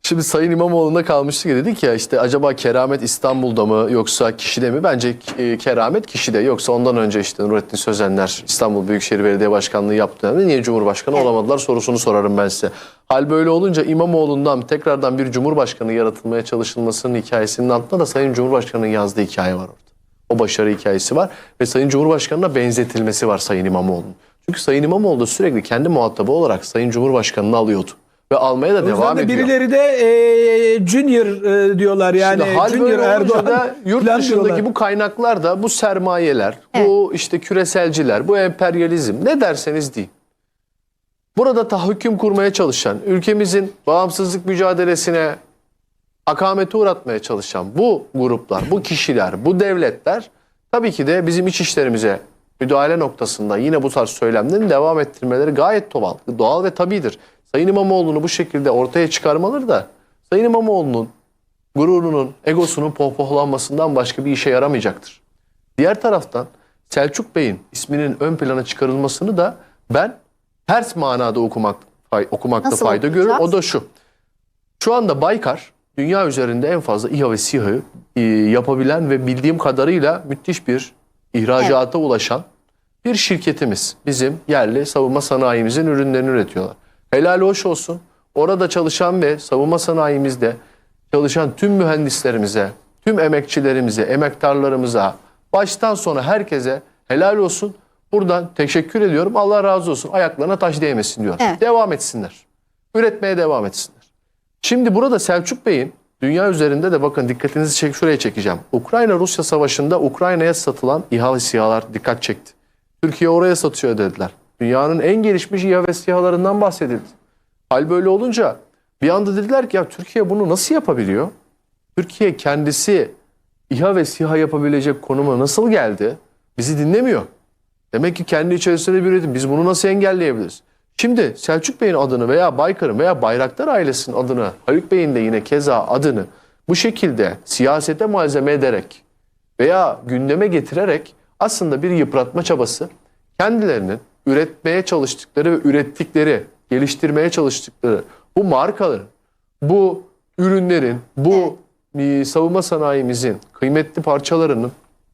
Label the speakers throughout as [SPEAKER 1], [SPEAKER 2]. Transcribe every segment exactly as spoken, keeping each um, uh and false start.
[SPEAKER 1] Şimdi Sayın İmamoğlu'nda kalmıştık ya, dedik ya işte acaba keramet İstanbul'da mı yoksa kişide mi? Bence e, keramet kişide, yoksa ondan önce işte Nurettin Sözenler İstanbul Büyükşehir Belediye Başkanlığı yaptığı dönemde niye Cumhurbaşkanı evet. olamadılar sorusunu sorarım ben size. Hal böyle olunca İmamoğlu'ndan tekrardan bir Cumhurbaşkanı yaratılmaya çalışılmasının hikayesinin altında da Sayın Cumhurbaşkanı'nın yazdığı hikaye var orada. O başarı hikayesi var ve Sayın Cumhurbaşkanı'na benzetilmesi var Sayın İmamoğlu'nun. Çünkü Sayın İmamoğlu da sürekli kendi muhatabı olarak Sayın Cumhurbaşkanı'nı alıyordu. Ve almaya da devam
[SPEAKER 2] de
[SPEAKER 1] ediyor.
[SPEAKER 2] Birileri de e, Junior e, diyorlar yani.
[SPEAKER 1] Şimdi hal
[SPEAKER 2] Junior Erdoğan
[SPEAKER 1] da yurt dışındaki bu kaynaklar da, bu sermayeler, evet. bu işte küreselciler, bu emperyalizm, ne derseniz deyin. Burada tahakküm kurmaya çalışan, ülkemizin bağımsızlık mücadelesine akamete uğratmaya çalışan bu gruplar, bu kişiler, bu devletler tabii ki de bizim iç işlerimize müdahale noktasında yine bu tarz söylemlerin devam ettirmeleri gayet doğal, doğal ve tabidir. Sayın İmamoğlu'nu bu şekilde ortaya çıkarmaları da Sayın İmamoğlu'nun gururunun, egosunun pohpohlanmasından başka bir işe yaramayacaktır. Diğer taraftan Selçuk Bey'in isminin ön plana çıkarılmasını da ben ters manada okumak, okumakta
[SPEAKER 3] Nasıl
[SPEAKER 1] fayda
[SPEAKER 3] okuyacağız?
[SPEAKER 1] görüyorum. O da şu. Şu anda Baykar dünya üzerinde en fazla İHA ve SİHA'yı e, yapabilen ve bildiğim kadarıyla müthiş bir ihracata evet. ulaşan bir şirketimiz. Bizim yerli savunma sanayimizin ürünlerini üretiyorlar. Helal hoş olsun. Orada çalışan ve savunma sanayimizde çalışan tüm mühendislerimize, tüm emekçilerimize, emektarlarımıza, baştan sona herkese helal olsun. Buradan teşekkür ediyorum. Allah razı olsun. Ayaklarına taş değmesin diyor. Evet. Devam etsinler. Üretmeye devam etsinler. Şimdi burada Selçuk Bey'in dünya üzerinde de bakın dikkatinizi çek, şuraya çekeceğim. Ukrayna-Rusya savaşında Ukrayna'ya satılan İHA ve SİHA'lar dikkat çekti. Türkiye oraya satıyor dediler. Dünyanın en gelişmiş İHA ve SİHA'larından bahsedildi. Hal böyle olunca bir anda dediler ki ya Türkiye bunu nasıl yapabiliyor? Türkiye kendisi İHA ve SİHA yapabilecek konuma nasıl geldi? Bizi dinlemiyor. Demek ki kendi içerisinde bir üretim. Biz bunu nasıl engelleyebiliriz? Şimdi Selçuk Bey'in adını veya Baykar'ın veya Bayraktar ailesinin adını, Haluk Bey'in de yine keza adını bu şekilde siyasete malzeme ederek veya gündeme getirerek aslında bir yıpratma çabası, kendilerinin üretmeye çalıştıkları ve ürettikleri, geliştirmeye çalıştıkları bu markaların, bu ürünlerin, bu evet. savunma sanayimizin kıymetli parçalarının,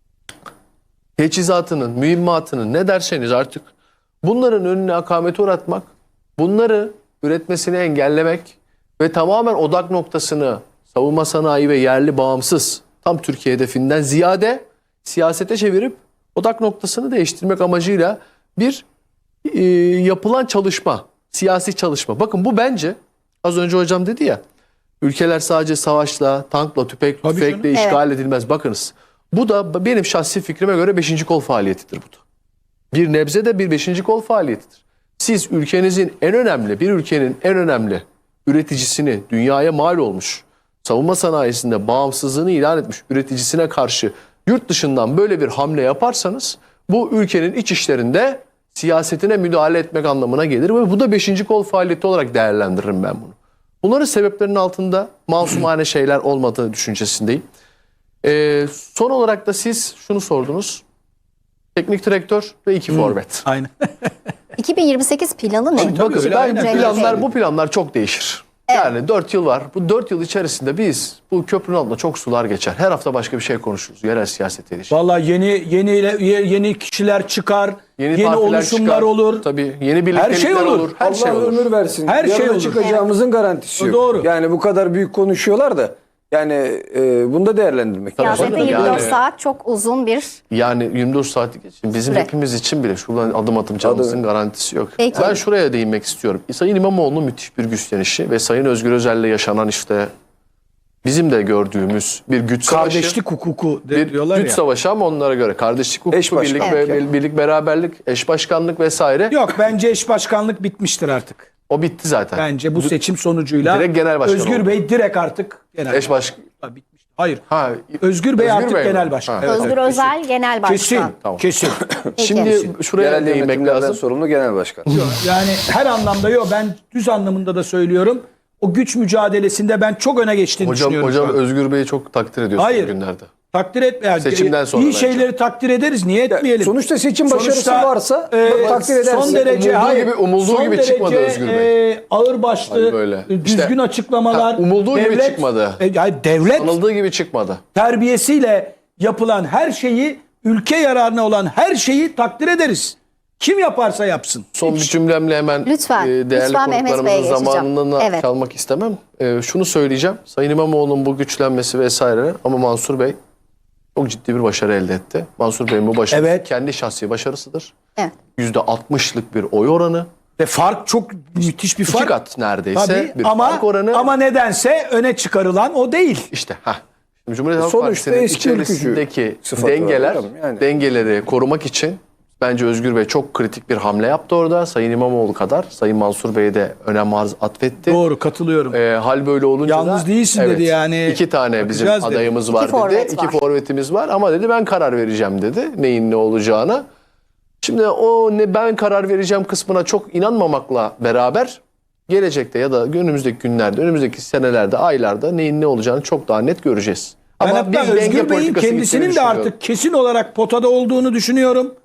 [SPEAKER 1] teçhizatının, mühimmatının, ne derseniz artık, bunların önüne akamete uğratmak, bunları üretmesini engellemek ve tamamen odak noktasını savunma sanayi ve yerli bağımsız tam Türkiye hedefinden ziyade siyasete çevirip odak noktasını değiştirmek amacıyla bir e, yapılan çalışma, siyasi çalışma. Bakın bu bence az önce hocam dedi ya, ülkeler sadece savaşla, tankla, tüfek, tüfekle işgal evet. edilmez. Bakınız bu da benim şahsi fikrime göre beşinci kol faaliyetidir bu da. Bir nebze de bir beşinci kol faaliyetidir. Siz ülkenizin en önemli, bir ülkenin en önemli üreticisini, dünyaya mal olmuş, savunma sanayisinde bağımsızlığını ilan etmiş üreticisine karşı yurt dışından böyle bir hamle yaparsanız bu ülkenin iç işlerinde siyasetine müdahale etmek anlamına gelir ve bu da beşinci kol faaliyeti olarak değerlendiririm ben bunu. Bunların sebeplerinin altında masumane şeyler olmadığı düşüncesindeyim. Ee, son olarak da siz şunu sordunuz. Teknik direktör ve iki hmm, forvet.
[SPEAKER 2] Aynen.
[SPEAKER 3] iki bin yirmi sekiz planı ne?
[SPEAKER 1] Tabii, tabii, Bakın, ben bu planlar, bu planlar çok değişir. Evet. Yani dört yıl var. Bu dört yıl içerisinde biz bu köprünün altında çok sular geçer. Her hafta başka bir şey konuşuruz. Yerel siyasete ilişkin.
[SPEAKER 2] Vallahi yeni yeni yeni kişiler çıkar. Yeni, yeni oluşumlar çıkar. olur.
[SPEAKER 1] Tabii yeni birliktelikler
[SPEAKER 2] her şey olur.
[SPEAKER 1] olur. Her
[SPEAKER 4] Allah
[SPEAKER 1] şey olur.
[SPEAKER 4] ömür versin.
[SPEAKER 2] Her
[SPEAKER 4] Yarın
[SPEAKER 2] şey olur.
[SPEAKER 4] çıkacağımızın evet. garantisi yok.
[SPEAKER 2] Doğru.
[SPEAKER 4] Yani bu kadar büyük konuşuyorlar da yani e, bunu da değerlendirmek lazım.
[SPEAKER 3] Siyasette yirmi dört yani, saat çok uzun bir
[SPEAKER 1] yani yirmi dört saatlik için bizim süre. Hepimiz için bile şuradan adım atacağımızın garantisi yok.
[SPEAKER 3] Peki.
[SPEAKER 1] Ben şuraya değinmek istiyorum. Sayın İmamoğlu'nun müthiş bir güçlenişi ve Sayın Özgür Özel'le yaşanan işte bizim de gördüğümüz bir güç savaşı.
[SPEAKER 2] Kardeşlik hukuku
[SPEAKER 1] bir
[SPEAKER 2] diyorlar
[SPEAKER 1] güç
[SPEAKER 2] ya.
[SPEAKER 1] savaşı ama onlara göre kardeşlik hukuku, birlik, evet. ve, birlik, beraberlik, eş başkanlık vesaire.
[SPEAKER 2] Yok bence eş başkanlık bitmiştir artık.
[SPEAKER 1] O bitti zaten.
[SPEAKER 2] Bence bu seçim sonucuyla
[SPEAKER 1] direkt genel başkan
[SPEAKER 2] Özgür
[SPEAKER 1] oldu.
[SPEAKER 2] Bey direkt artık genel
[SPEAKER 1] eş başkan.
[SPEAKER 2] Bitmiş. Hayır.
[SPEAKER 1] Ha,
[SPEAKER 2] Özgür Bey
[SPEAKER 1] Özgür
[SPEAKER 2] artık
[SPEAKER 1] Bey
[SPEAKER 2] genel
[SPEAKER 1] mi?
[SPEAKER 2] başkan.
[SPEAKER 1] Ha.
[SPEAKER 2] Evet,
[SPEAKER 3] Özgür
[SPEAKER 2] evet,
[SPEAKER 3] Özel
[SPEAKER 2] kesin.
[SPEAKER 3] genel başkan.
[SPEAKER 2] Kesin.
[SPEAKER 1] Tamam.
[SPEAKER 2] Kesin.
[SPEAKER 1] Şimdi şuraya
[SPEAKER 4] Genel
[SPEAKER 1] değinmek
[SPEAKER 4] yönetimlerden
[SPEAKER 1] lazım.
[SPEAKER 4] sorumlu genel başkan.
[SPEAKER 2] Yani her anlamda yok. Ben düz anlamında da söylüyorum. O güç mücadelesinde ben çok öne geçtiğini
[SPEAKER 1] Hocam,
[SPEAKER 2] düşünüyorum.
[SPEAKER 1] hocam Özgür Bey'i çok takdir ediyorsunuz
[SPEAKER 2] Hayır.
[SPEAKER 1] günlerde.
[SPEAKER 2] Takdir etmeyen
[SPEAKER 1] Seçimden sonra
[SPEAKER 2] iyi
[SPEAKER 1] bence.
[SPEAKER 2] şeyleri takdir ederiz. Niye etmeyelim?
[SPEAKER 4] Sonuçta seçim başarısı
[SPEAKER 2] Sonuçta,
[SPEAKER 4] varsa
[SPEAKER 2] e,
[SPEAKER 4] takdir edersin.
[SPEAKER 2] Son derece
[SPEAKER 1] Umulduğu
[SPEAKER 2] hayır,
[SPEAKER 1] gibi- umulduğu
[SPEAKER 2] son
[SPEAKER 1] gibi
[SPEAKER 2] derece,
[SPEAKER 1] çıkmadı Özgür Bey.
[SPEAKER 2] E, ağırbaşlı,
[SPEAKER 1] Hani böyle.
[SPEAKER 2] e, düzgün
[SPEAKER 1] İşte,
[SPEAKER 2] açıklamalar.
[SPEAKER 1] ha, umulduğu gibi
[SPEAKER 2] devlet-
[SPEAKER 1] çıkmadı.
[SPEAKER 2] E, yani devlet
[SPEAKER 1] Sanıldığı gibi çıkmadı.
[SPEAKER 2] terbiyesiyle yapılan her şeyi, ülke yararına olan her şeyi takdir ederiz. Kim yaparsa yapsın.
[SPEAKER 1] Son bir cümlemle hemen
[SPEAKER 3] Lütfen,
[SPEAKER 1] e, değerli
[SPEAKER 3] lütfen Mehmet Bey'e
[SPEAKER 1] konuklarımızın
[SPEAKER 3] geçeceğim.
[SPEAKER 1] zamanına
[SPEAKER 3] Evet.
[SPEAKER 1] kalmak istemem. E, şunu söyleyeceğim. Sayın İmamoğlu'nun bu güçlenmesi vesaire ama Mansur Bey çok ciddi bir başarı elde etti. Mansur Bey'in bu başarısı
[SPEAKER 2] Evet.
[SPEAKER 1] kendi şahsi başarısıdır.
[SPEAKER 3] Evet.
[SPEAKER 1] yüzde altmışlık bir oy oranı.
[SPEAKER 2] Ve fark çok müthiş bir
[SPEAKER 1] İki
[SPEAKER 2] fark.
[SPEAKER 1] kat neredeyse
[SPEAKER 2] Tabii,
[SPEAKER 1] bir
[SPEAKER 2] ama,
[SPEAKER 1] fark oranı.
[SPEAKER 2] ama nedense öne çıkarılan o değil.
[SPEAKER 1] İşte ha. Cumhuriyet Halk
[SPEAKER 4] Sonuçta
[SPEAKER 1] Partisi'nin
[SPEAKER 4] eski ülkücü
[SPEAKER 1] içerisindeki
[SPEAKER 4] sıfatı var
[SPEAKER 1] dengeler,
[SPEAKER 4] hocam, yani.
[SPEAKER 1] dengeleri korumak için bence Özgür Bey çok kritik bir hamle yaptı orada. Sayın İmamoğlu kadar Sayın Mansur Bey'e de önem arz atfetti.
[SPEAKER 2] Doğru, katılıyorum.
[SPEAKER 1] Ee, hal böyle olunca
[SPEAKER 2] Yalnız
[SPEAKER 1] da,
[SPEAKER 2] değilsin dedi yani.
[SPEAKER 1] İki tane bizim
[SPEAKER 2] Bakacağız dedi.
[SPEAKER 1] adayımız
[SPEAKER 3] İki
[SPEAKER 1] var dedi.
[SPEAKER 3] forvet
[SPEAKER 1] İki
[SPEAKER 3] var.
[SPEAKER 1] forvetimiz var ama dedi ben karar vereceğim dedi. Neyin ne olacağına. Şimdi o ne ben karar vereceğim kısmına çok inanmamakla beraber gelecekte ya da önümüzdeki günlerde, önümüzdeki senelerde, aylarda neyin ne olacağını çok daha net göreceğiz.
[SPEAKER 2] Ben
[SPEAKER 1] Ama
[SPEAKER 2] hatta
[SPEAKER 1] biz denge
[SPEAKER 2] Özgür Bey'in
[SPEAKER 1] politikası
[SPEAKER 2] kendisinin
[SPEAKER 1] gittiğini
[SPEAKER 2] de
[SPEAKER 1] düşünüyorum.
[SPEAKER 2] artık kesin olarak potada olduğunu düşünüyorum.